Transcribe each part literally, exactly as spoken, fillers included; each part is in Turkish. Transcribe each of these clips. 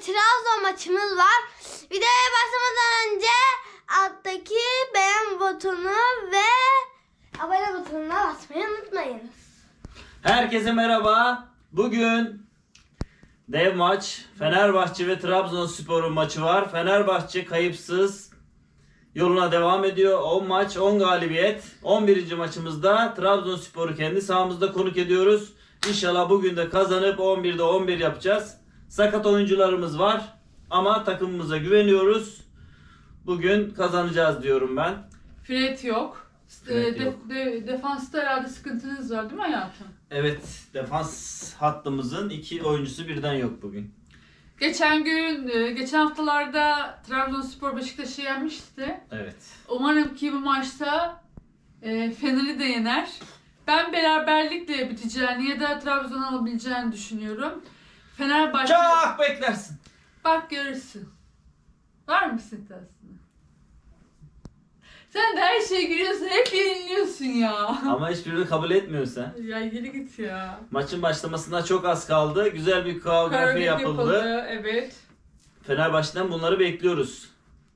Trabzon maçımız var. Videoya başlamadan önce alttaki beğen butonu ve abone butonuna basmayı unutmayınız. Herkese merhaba. Bugün dev maç. Fenerbahçe ve Trabzonspor'un maçı var. Fenerbahçe kayıpsız yoluna devam ediyor. on maç on galibiyet. on birinci maçımızda Trabzonspor'u kendi sahamızda konuk ediyoruz. İnşallah bugün de kazanıp on birde on bir yapacağız. Sakat oyuncularımız var ama takımımıza güveniyoruz. Bugün kazanacağız diyorum ben. Fred yok. Fred de, yok. De, defansta herhalde sıkıntınız var değil mi hayatım? Evet, defans hattımızın iki oyuncusu birden yok bugün. Geçen gün, geçen haftalarda Trabzonspor Beşiktaş'ı yenmişti. Evet. Umarım ki bu maçta e, Fener'i de yener. Ben beraberlikle biteceğini ya da Trabzon'u alabileceğini düşünüyorum. Fenerbahçe... Çok beklersin. Bak görürsün. Var mısın iddiasına? Sen de her şeye giriyorsun, hep yeniliyorsun ya. Ama hiçbirini kabul etmiyorsun sen. Ya geri git ya. Maçın başlamasına çok az kaldı. Güzel bir koreografi Koreografi yapıldı. yapıldı, evet. Fenerbahçe'den bunları bekliyoruz.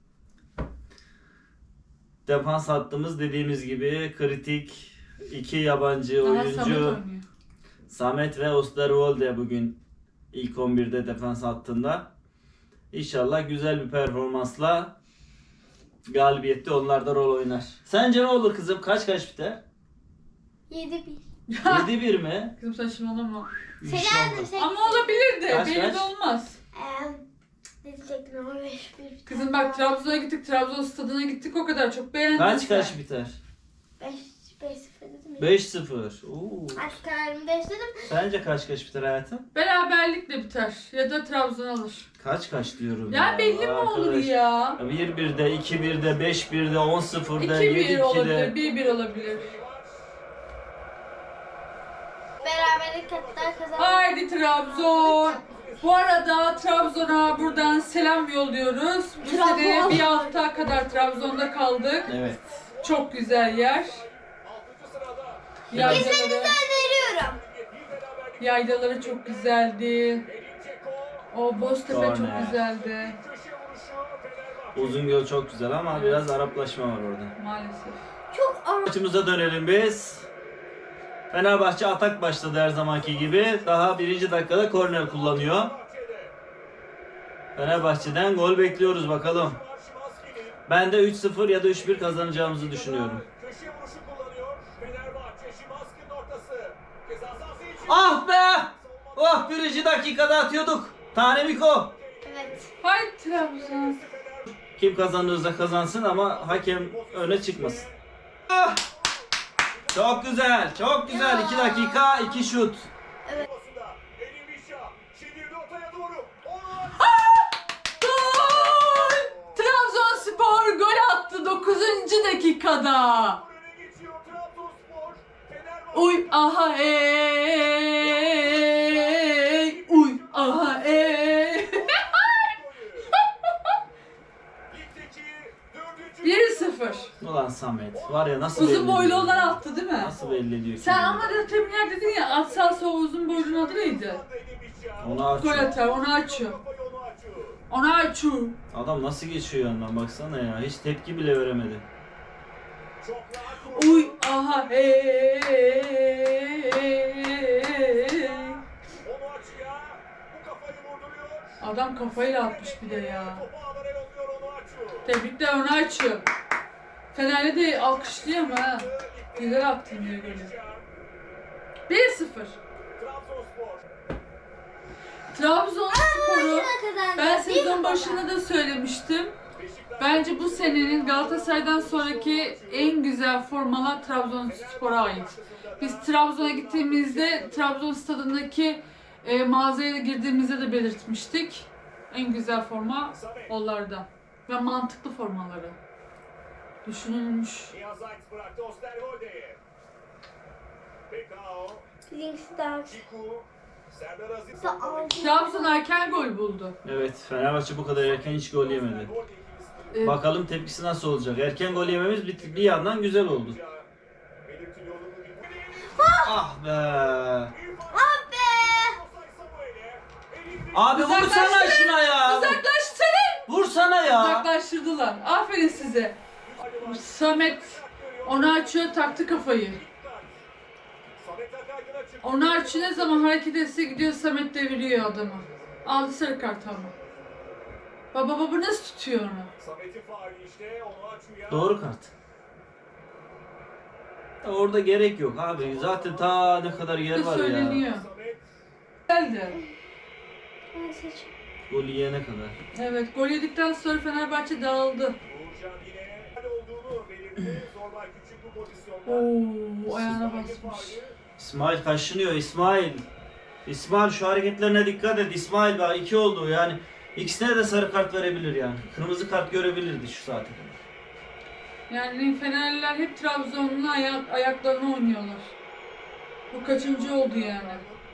Defans hattımız dediğimiz gibi kritik. iki yabancı Daha oyuncu. Samet oynuyor. Samet ve Osterwolde bugün ilk on birde defans hattında. İnşallah güzel bir performansla galibiyette onlar da rol oynar. Sence ne olur kızım? Kaç kaç biter? yedi bir. yedi bir mi? Kızım saçmalama. Selam sekiz. Ama olabilir de, Kaç, belli kaç? de olmaz. Eee ne diyecektim ama beş bir. Kızım bak Trabzon'a gittik, Trabzon stadına gittik, o kadar çok beğendim. Kaç kaç biter? beş beş sıfır dedim ya. beş sıfır. Oo. Artık kararımı değiştirdim. Sence kaç kaç biter hayatım? Beraberlikle biter ya da Trabzon alır. Kaç kaç diyorum Ya belli mi olur arkadaş. ya? bir birde, iki birde, beş birde, on sıfırda, iki yedi bir olabilir, ikide. bir bir olabilir. Beraberlik hatta kazandık. Haydi Trabzon. Bu arada Trabzon'a buradan selam yolluyoruz. Bu Trabzon. sene bir hafta kadar Trabzon'da kaldık. Evet. Çok güzel yer. Yaylaları, İzlediğinizi öneriyorum. yaylaları çok güzeldi. O Boztepe Korner. çok güzeldi. Uzungöl çok güzel ama biraz Araplaşma var orada. Maalesef. Çok ara. Maçımıza dönelim biz. Fenerbahçe atak başladı her zamanki gibi. Daha birinci dakikada korner kullanıyor. Fenerbahçe'den gol bekliyoruz bakalım. Ben de üç sıfır ya da üç bir kazanacağımızı düşünüyorum. Ah be! Oh, birinci dakikada atıyorduk. Tane Miko. Evet. Haydi Trabzon. Kim kazanırsa kazansın ama hakem öne çıkmasın. Ah! Çok güzel, çok güzel. iki dakika, iki şut. Gol! Trabzonspor gol attı dokuzuncu dakikada. Uy aha ey. Uy aha ey. bir sıfır. Ulan Samet, var ya nasıl Uzun belli boylu ediyor? olan attı değil mi? Nasıl belli ediyor? Sen kendini? ama da teminler dedin ya, atsalsa o uzun boylunun adı neydi? Onu Gol açıyor. atar, onu açıyor. Onu açıyor. Adam nasıl geçiyor yanından baksana ya. Hiç tepki bile veremedi. Uy aha hey. Adam kafayla atmış bir de ya. Tebrikler, onu açıyor. Fenerli de alkışlıyor ama ha. Güzel attın diye golü. bir sıfır. Trabzonspor'u ben sezon başında da söylemiştim. Bence bu senenin Galatasaray'dan sonraki en güzel formalar Trabzonspor'a ait. Biz Trabzon'a gittiğimizde Trabzon stadındaki e, mağazaya girdiğimizde de belirtmiştik. En güzel forma onlardan. Ve mantıklı formaları. Düşünülmüş. Links'i daha Trabzon erken gol buldu. Evet, Fenerbahçe bu kadar erken hiç gol yemedi. Ee, Bakalım tepkisi nasıl olacak. Erken gol yememiz bir, bir yandan güzel oldu. Ah be! Ah be! Abi vursana Uzaklaştırın. şuna ya. Uzaklaştırın. Vursana ya. Uzaklaştırdılar. Aferin size. Samet onu açıyor, taktı kafayı. Onu açıyor, ne zaman hareket etse gidiyor Samet deviriyor adamı. Aldı sarı kart ama. Baba baba nasıl tutuyor onu? Doğru kart. Ya orada gerek yok abi. Zaten ta ne kadar yer Ne var ya. söyleniyor. Geldi. Gol yiyene kadar. Evet, gol yedikten sonra Fenerbahçe dağıldı. Oo, ayağına basmış. İsmail kaşınıyor İsmail. İsmail şu hareketlerine dikkat et İsmail, bak iki oldu yani. İkisine de sarı kart verebilir yani. Kırmızı kart görebilirdi şu saate kadar. Yani Fenerliler hep Trabzon'un ayak, ayaklarına oynuyorlar. Bu kaçıncı oldu yani?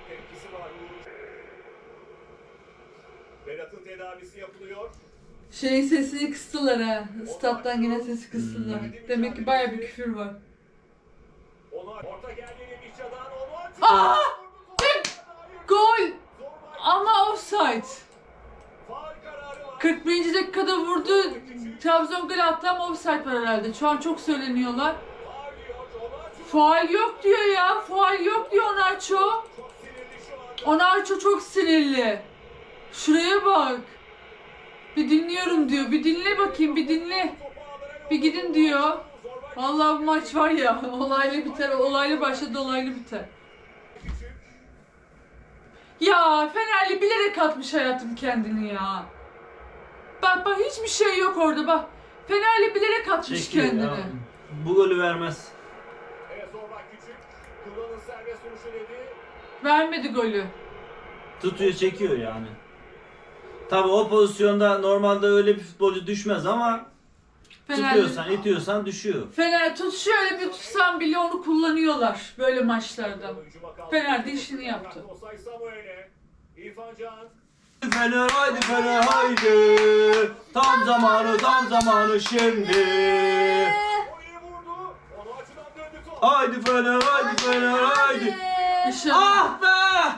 Berat'ın tedavisi yapılıyor. Şeyin sesini kıstılar ha. Stat'tan yine sesi kıstılar. Demek ki baya bir küfür var. Ona orta geldi Mişa'dan onu açıyor. Aa! Gol! Ama offside. Faul kararı var. kırk birinci dakikada vurdu. Trabzon gol attı ama offside var herhalde. Şu an çok söyleniyorlar. Faul diyor. Onu açıyor. Faul yok diyor ya. Faul yok diyor Onarço. Çok sinirli şu an. Onarço çok sinirli. Şuraya bak. Bir dinliyorum diyor. Bir dinle bakayım, bir dinle. Bir gidin diyor. Vallahi bu maç var ya, olaylı biter, olaylı başladı, olaylı biter. Ya Fenerli bilerek atmış hayatım kendini ya. Bak bak hiçbir şey yok orada bak. Fenerli bilerek atmış Çekiyor kendini. ya. Bu golü vermez. Evet, Zorbay Küçük. Kullanın serbest vuruşu dedi. Vermedi golü. Tutuyor çekiyor yani. Tabi o pozisyonda normalde öyle bir futbolcu düşmez ama tutuyorsan itiyorsan düşüyor. Fener tut şöyle bir tutsan bile onu kullanıyorlar böyle maçlarda. Fener de işini yaptı. Osay Samuel'e. İrfan Can. Fener haydi Fener haydi. Tam zamanı tam zamanı şimdi. O iyi vurdu. Onu açıdan döndü top. Haydi Fener haydi Fener haydi. Dışarı. Ah be!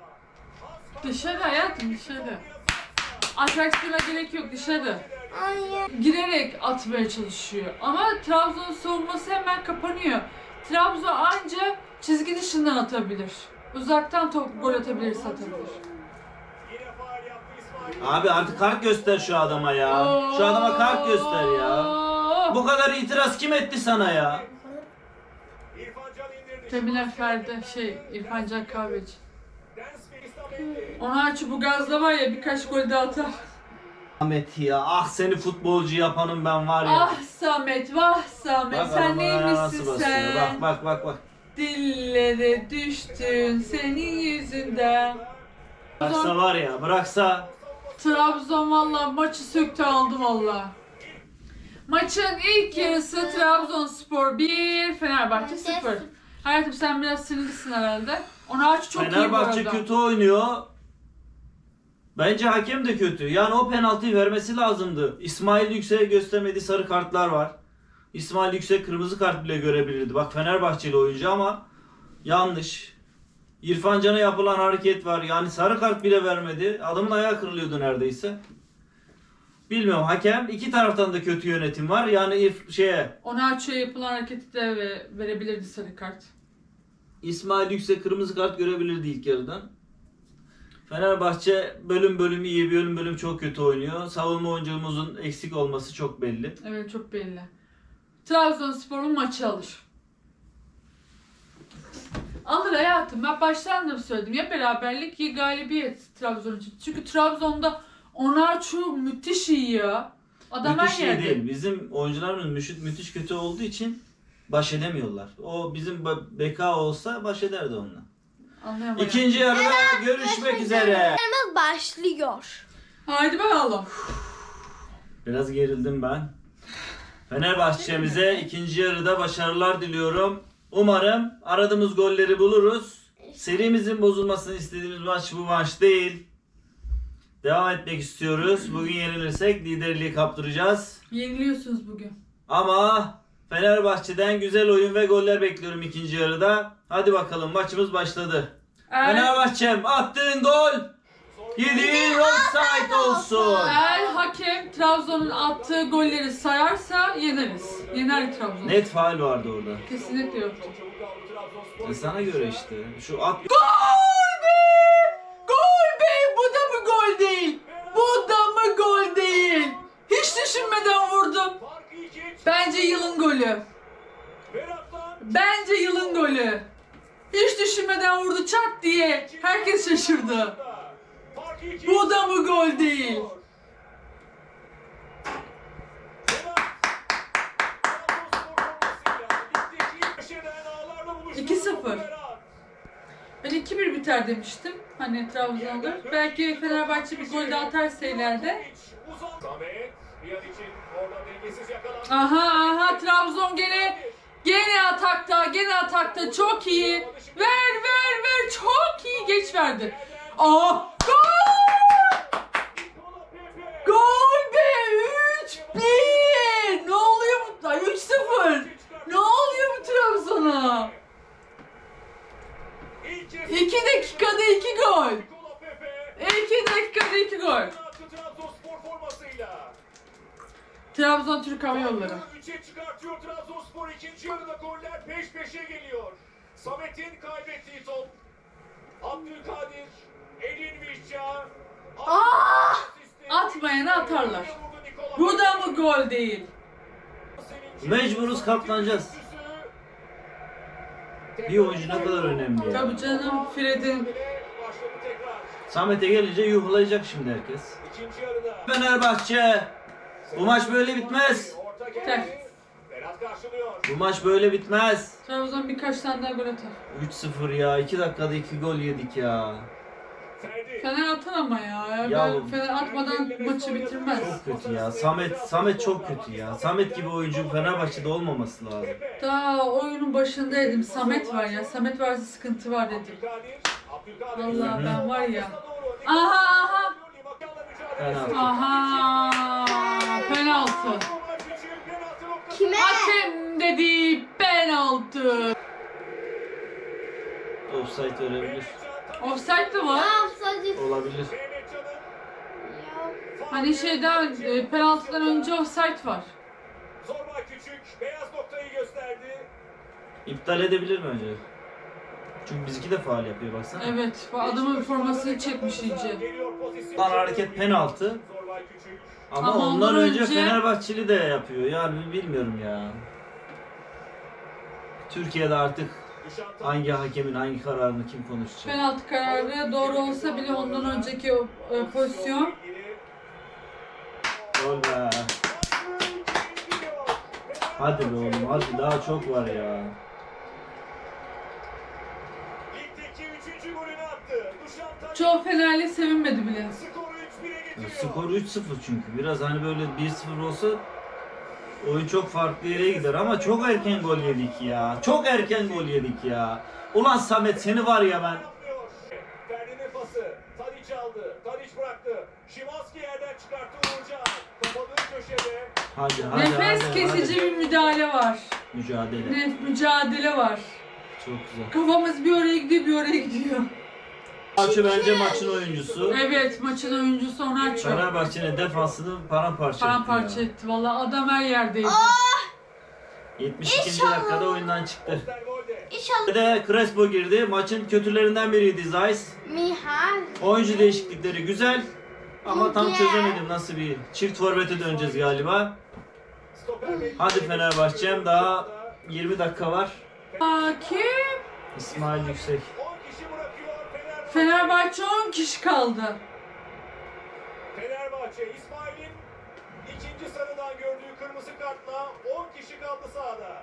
Dışarı hayatım dışarı. Atraksiyona gerek yok dışarı. Hayır. Girerek atmaya çalışıyor. Ama Trabzon savunması hemen kapanıyor. Trabzon anca çizgi dışından atabilir. Uzaktan top gol atabilirse atabilir. Yine faul yaptı İsmail. Abi artık kart göster şu adama ya. Şu adama kart göster ya. Bu kadar itiraz kim etti sana ya? İrfan Can indirdi. Cemile Ferdi şey İrfan Can Kahveci. Dance ve İsmail. Onu aç bu gazla var ya birkaç gol daha atar. Ahmet ya, ah seni futbolcu yapanım ben var ya. Ah Samet vah Samet Bak sen adamın ayağına nasıl neymişsin basıyor. sen? Bak bak bak bak. Dillere düştün senin yüzünden. Bıraksa var ya, bıraksa. Trabzon valla maçı söktü aldı valla. Maçın ilk yarısı Trabzonspor bir, Fenerbahçe sıfır. Hayatım sen biraz sinirlisin herhalde. Onu aç çok iyi bu Fenerbahçe arada. kötü oynuyor. Bence hakem de kötü. Yani o penaltıyı vermesi lazımdı. İsmail Yüksek'e göstermediği sarı kartlar var. İsmail Yüksek kırmızı kart bile görebilirdi. Bak Fenerbahçeli oyuncu ama yanlış. İrfan Can'a yapılan hareket var. Yani sarı kart bile vermedi. Adamın ayağı kırılıyordu neredeyse. Bilmiyorum, hakem iki taraftan da kötü yönetim var. Yani İrf- şeye Ona açıyor yapılan hareketi de ve verebilirdi sarı kart. İsmail Yüksek kırmızı kart görebilirdi ilk yarıdan. Fenerbahçe bölüm bölüm iyi, bölüm bölüm çok kötü oynuyor. Savunma oyuncumuzun eksik olması çok belli. Evet çok belli. Trabzonspor'un maçı alır. Alır hayatım. Ben baştan da söyledim. Ya beraberlik ya galibiyet Trabzon için. Çünkü Trabzon'da Onarçu müthiş iyi ya. Adam Müthiş her iyi yerde. değil. Bizim oyuncularımız müthiş, müthiş kötü olduğu için baş edemiyorlar. O bizim ba- Beka olsa baş ederdi onunla. Anlayamadım. İkinci yarıda görüşmek üzere. Yarımız başlıyor. Haydi bakalım. Biraz gerildim ben. Fenerbahçe'mize ikinci yarıda başarılar diliyorum. Umarım aradığımız golleri buluruz. Serimizin bozulmasını istediğimiz maç bu maç değil. Devam etmek istiyoruz. Bugün yenilirsek liderliği kaptıracağız. Yeniliyorsunuz bugün. Ama Fenerbahçe'den güzel oyun ve goller bekliyorum ikinci yarıda. Hadi bakalım, maçımız başladı. Eğer Fenerbahçe'm attığın gol. Yedi offside olsun. Eğer hakem Trabzon'un attığı golleri sayarsa yeneriz. Yener Trabzon. Net faul vardı orada. Kesinlikle yoktu. E sana göre işte. Şu at Gol be! Gol be! Bu da mı gol değil? Bu da mı gol değil? Hiç düşünmeden vurdum. Bence yılın golü. Bence yılın golü. Hiç düşünmeden vurdu çat diye. Herkes şaşırdı. Bu da mı gol değil? iki sıfır. Ben iki bir biter demiştim. Hani Trabzon'da. Belki Fenerbahçe bir gol daha atarsa ileride. Aha aha Trabzon gene gene atakta, gene atakta çok iyi. Ver ver ver çok iyi geç verdi. Aa gol! Gol be üç bir. Ne oluyor bu? Ay, üç sıfır. Ne oluyor bu Trabzon'a? iki dakikada iki gol. iki dakikada iki gol. Trabzon Türk Hava Yolları. üçe çıkartıyor Trabzonspor. İkinci yarıda goller peş peşe geliyor. Samet'in kaybettiği top. Abdülkadir, Edin Vişça. Ah! Atmayana atarlar. Bu da mı gol değil? mecburuz, katlanacağız. Bir oyuncu ne kadar önemli ya. Tabii canım Fred'in. Başladı tekrar. Samet'e gelince yuhlayacak şimdi herkes. İkinci yarıda. Fenerbahçe. Bu maç böyle bitmez. Orta Ter. geldi. Berat karşılıyor. Bu maç böyle bitmez. Trabzon birkaç tane daha gol atar. üç sıfır ya. iki dakikada iki gol yedik ya. Ferdi. Fener atar ama ya. Ya Ben Fener atmadan maçı bitirmez. Çok kötü ya. Samet Samet çok kötü ya. Samet gibi oyuncu Fenerbahçe'de olmaması lazım. Daha oyunun başındaydım. Samet var ya. Samet varsa sıkıntı var dedim. Abdülkadir. Abdülkadir. Vallahi ben var ya. Aha Aha aha. Penaltı. Aha. Penaltı. Kime? Hakem dedi penaltı. Offside verebilir. Offside de Ne var. yapsaydık? Olabilir. Hani şeyden e, penaltıdan önce offside var. Zorbay Küçük beyaz noktayı gösterdi. İptal edebilir mi önce? Çünkü bizimki de faul yapıyor baksana. Evet. Bu adamın formasını çekmiş iyice. Geliyor pozisyon. Lan hareket penaltı. Zorbay Küçük. Ama, Ama ondan ondan önce, önce- Fenerbahçeli de yapıyor. Yani bilmiyorum ya. Türkiye'de artık hangi hakemin hangi kararını kim konuşacak? Penaltı kararı doğru olsa bile ondan önceki o, e, pozisyon. Gol be. Hadi be oğlum hadi daha çok var ya. Ligdeki üçüncü golünü attı. Dušan Tadić Çoğu Fenerli sevinmedi bile. skoru üç bire Ya getiriyor. skor üç sıfır çünkü. Biraz hani böyle bir sıfır olsa oyun çok farklı yere gider ama çok erken gol yedik ya. Çok erken gol yedik ya. Ulan Samet seni var ya ben. Yapmıyor. Ferdi'nin pası. Tadić aldı. Tadić bıraktı. Şimanski yerden çıkarttı Uğurcan. Kapadığı köşede. Hadi hadi Nefes hadi, kesici hadi. bir müdahale var. Mücadele. Ne mücadele var. Çok güzel. Kafamız bir oraya gidiyor bir oraya gidiyor. Maçı bence maçın oyuncusu. Evet maçın oyuncusu Onaço. Fenerbahçe'nin defansını paramparça etti. Paramparça ya. etti. Valla adam her yerdeydi. yetmiş ikinci İnşallah. dakikada oyundan çıktı. Osterwolde. İnşallah. Bir de Crespo girdi. Maçın kötülerinden biriydi Zeiss. Mihal. Oyuncu değişiklikleri güzel. Ama tam Güzel. çözemedim nasıl bir çift forvete döneceğiz galiba. Stoper bekliyor. Hadi Fenerbahçe'm daha yirmi dakika var. Hakim. İsmail Yüksek. on kişi bırakıyor Fenerbahçe. Fenerbahçe on kişi kaldı. Fenerbahçe İsmail'in ikinci sarıdan gördüğü kırmızı kartla on kişi kaldı sahada.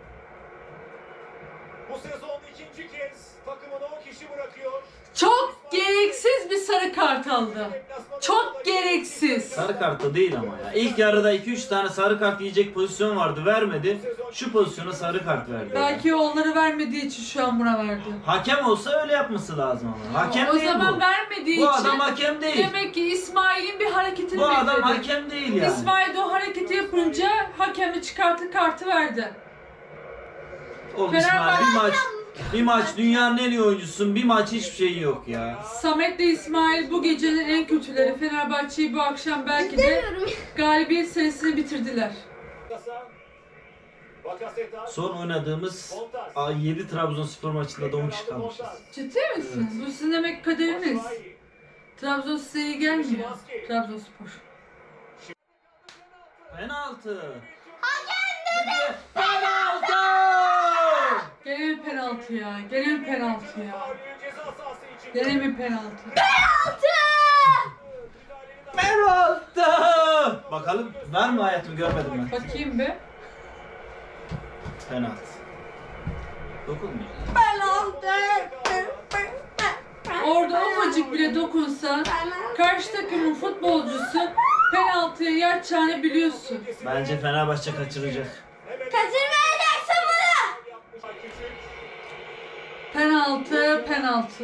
Bu sezon ikinci kez takımını on kişi bırakıyor. Çok gereksiz bir sarı kart aldı. Çok gereksiz. Sarı kart da değil ama ya. İlk yarıda iki üç tane sarı kart yiyecek pozisyon vardı, vermedi. Şu pozisyona sarı kart verdi. Belki onları vermediği için şu an buna verdi. Hakem olsa öyle yapması lazım ama. Hakem o değil zaman bu. vermediği Bu için adam hakem değil. demek ki İsmail'in bir hareketini Bu adam bekledi. hakem değil yani. İsmail de o hareketi yapınca hakemi çıkarttı kartı verdi. Oğlum Fenerbahçe- İsmail bir maç Bir maç dünyanın en iyi oyuncusun, bir maç hiçbir şey yok ya. Samet'le İsmail bu gecenin en kötüleri. Fenerbahçe'yi bu akşam belki de İstemiyorum. galibiyet serisini bitirdiler. Bakasetas. Son oynadığımız yedi Trabzonspor maçında da on kişi kalmışız. Ciddi misin? Bu sizin demek kaderiniz. Trabzon size iyi gelmiyor. Trabzonspor. Penaltı. Hakem dedi. Penaltı! Gene mi penaltı ya? Gene mi penaltı ya? Gene mi penaltı? Penaltı! Bakalım var mı hayatım, görmedim ben. Bakayım be. Penaltı. Dokunmuyor. Orada ufacık bile dokunsa karşı takımın futbolcusu penaltıya yatacağını biliyorsun. Bence Fenerbahçe kaçıracak. Kaçırmayacaksın bunu. Penaltı, penaltı.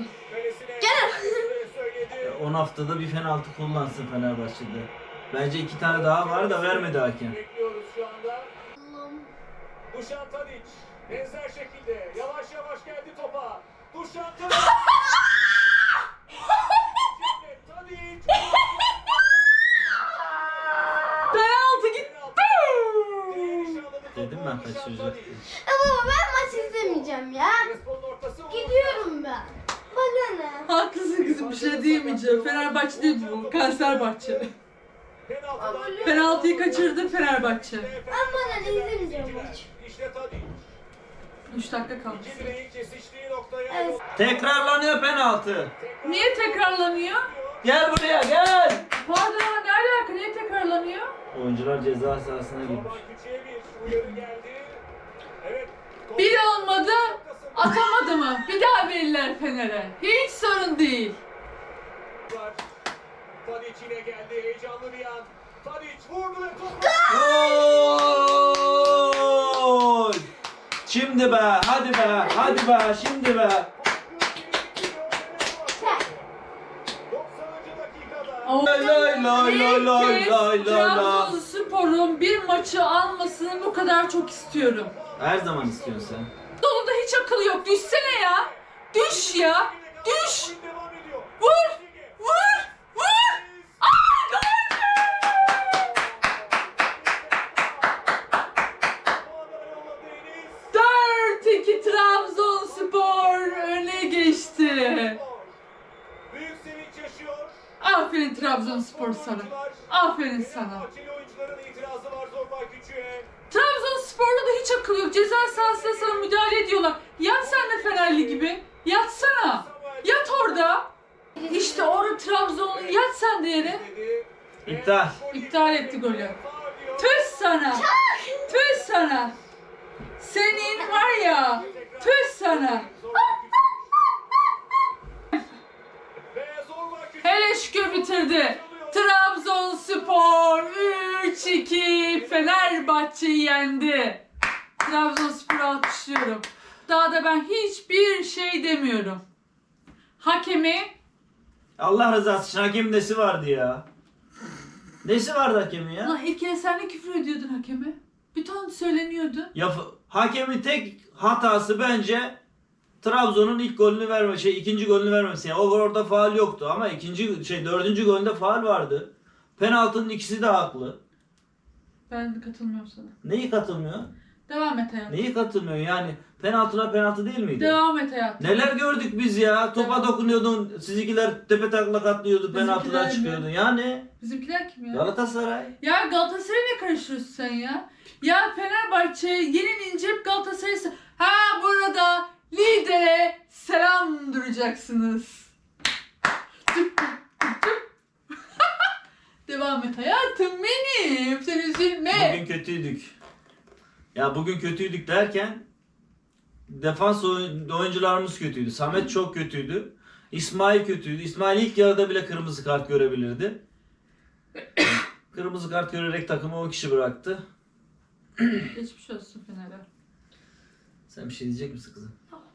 on haftada bir penaltı kullansın Fenerbahçe'de. Bence iki tane daha var da vermedi hakem. Bekliyoruz şu anda. Dušan Tadić benzer şekilde yavaş yavaş geldi topa. Dušan Tadić. Tadić. Penaltı gitti. Dedim ben kaçıracak diye. Ya baba ben maç izlemeyeceğim ya. Gidiyorum ben. Bana ne? Haklısın kızım, bir şey diyemeyeceğim. Fenerbahçe değil bu, Kanserbahçe. Penaltıyı kaçırdı Fenerbahçe. Ben bana ne izlemeyeceğim maç. İşte Tadić. üç dakika kaldı. İki direğin kesiştiği noktaya Evet. Tekrarlanıyor penaltı. Niye tekrarlanıyor? Gel buraya gel. Pardon, ne alaka? Niye tekrarlanıyor? Oyuncular ceza sahasına girmiş. Zorba Küçük'e bir uyarı geldi. Evet. Bir olmadı, atamadı mı? Bir daha verirler Fener'e. Hiç sorun değil. Tadić yine geldi. Heyecanlı bir an. Tadić vurdu ve topu. Gol! Şimdi be, hadi be, hadi be, şimdi be. doksanıncı dakikada. Lay lay lay lay lay lay lay lay. Trabzonspor'un bir maçı almasını bu kadar çok istiyorum. Her zaman istiyorsun sen. Doluda hiç akıl yok. Düşsene ya. Düş ya. Düş. Oyun devam ediyor. Vur. Vur. Vur. Aa, gol! dört iki Trabzonspor öne geçti. Büyük sevinç yaşıyor. Aferin Trabzonspor sana. Aferin sana. Fenerbahçeli oyuncuların itirazı var Zorba Küçük'e. Trabzonspor'da da hiç akıl yok. Ceza sahasına sana müdahale ediyorlar. Yat sen de Fenerli gibi. Yatsana. Yat orada. İşte orada Trabzonlu, yat sen de yere. İptal. İptal etti golü. Tüh sana. Tüh sana. Senin var ya. Tüh sana. Hele şükür bitirdi. Trabzonspor üç iki Fenerbahçe'yi yendi. Trabzonspor'u alkışlıyorum. Daha da ben hiçbir şey demiyorum. Hakemi Allah rızası için hakemin nesi vardı ya? Nesi vardı hakemin ya? Ulan ilk kere sen ne küfür ediyordun hakeme? Bir ton söyleniyordu. Ya f- hakemin tek hatası bence Trabzon'un ilk golünü verme, şey ikinci golünü vermesi. Yani o orada faul yoktu ama ikinci şey dördüncü golünde faul vardı. Penaltının ikisi de haklı. Ben katılmıyorum sana. Neyi katılmıyor? Devam et hayatım. Neyi katılmıyor yani? Penaltılar penaltı değil miydi? Devam et hayatım. Neler gördük biz ya? Topa Evet. dokunuyordun, sizinkiler tepe taklak atlıyordu, Bizimkiler penaltıdan mi? çıkıyordu. Yani Bizimkiler kim ya? Galatasaray. Ya Galatasaray'a ne karışıyorsun sen ya? Ya Fenerbahçe yenilince hep Galatasaray'ı... se- Ha burada lidere selam duracaksınız. Tıp tıp tıp tıp. Devam et hayatım benim. Sen üzülme. Bugün kötüydük. Ya bugün kötüydük derken defans oyun- oyuncularımız kötüydü. Samet çok kötüydü. İsmail kötüydü. İsmail ilk yarıda bile kırmızı kart görebilirdi. Kırmızı kart görerek takımı on kişi bıraktı. Geçmiş olsun Fener'e. Sen bir şey diyecek misin kızım?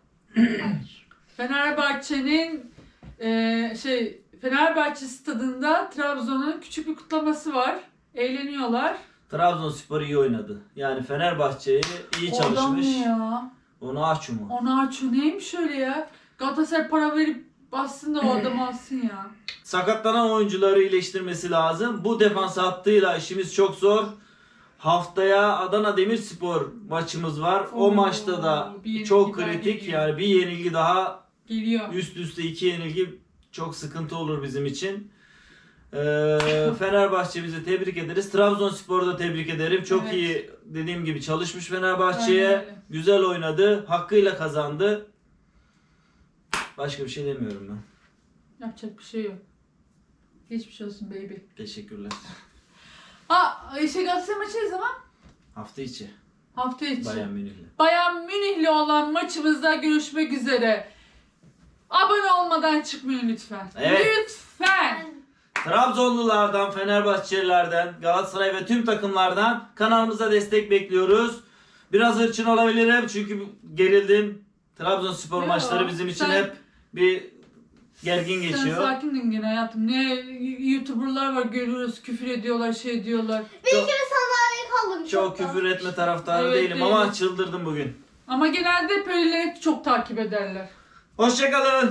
Fenerbahçe'nin eee şey Fenerbahçe stadında Trabzon'un küçük bir kutlaması var. Eğleniyorlar. Trabzonspor iyi oynadı. Yani Fenerbahçe'yi iyi Oradan çalışmış. mı ya? Onu aç mu? Onu açıyor. Neymiş öyle ya? Galatasaray para verip bassın da o adamı alsın ya. Sakatlanan oyuncuları iyileştirmesi lazım. Bu defans hattıyla işimiz çok zor. Haftaya Adana Demirspor maçımız var. O Oo, maçta da bir yenilgi çok daha kritik. geliyor. Yani bir yenilgi daha, Geliyor. üst üste iki yenilgi çok sıkıntı olur bizim için. Ee, Fenerbahçe bizi tebrik ederiz. Trabzonspor'u da tebrik ederim. Çok Evet. iyi, dediğim gibi çalışmış Aynen Fenerbahçe'ye. öyle. Güzel oynadı. Hakkıyla kazandı. Başka bir şey demiyorum ben. Yapacak bir şey yok. Geçmiş olsun baby. Teşekkürler. Ha, şey Galatasaray maçı ne zaman? Hafta içi. Hafta içi. Bayern Münih'le. Bayern Münih'le olan maçımızda görüşmek üzere. Abone olmadan çıkmayın lütfen. Evet. Lütfen. Trabzonlulardan, Fenerbahçelilerden, Galatasaray ve tüm takımlardan kanalımıza destek bekliyoruz. Biraz hırçın olabilirim çünkü gerildim. Trabzonspor Yo, maçları bizim için sen- hep bir gergin Sen geçiyor. sakindin gene hayatım. Ne YouTuber'lar var görüyoruz küfür ediyorlar şey diyorlar. Bir kere sandalyeye kaldım. Çok küfür etme taraftarı Evet, değilim değiliz. ama çıldırdım bugün. Ama genelde hep öyleleri çok takip ederler. Hoşçakalın.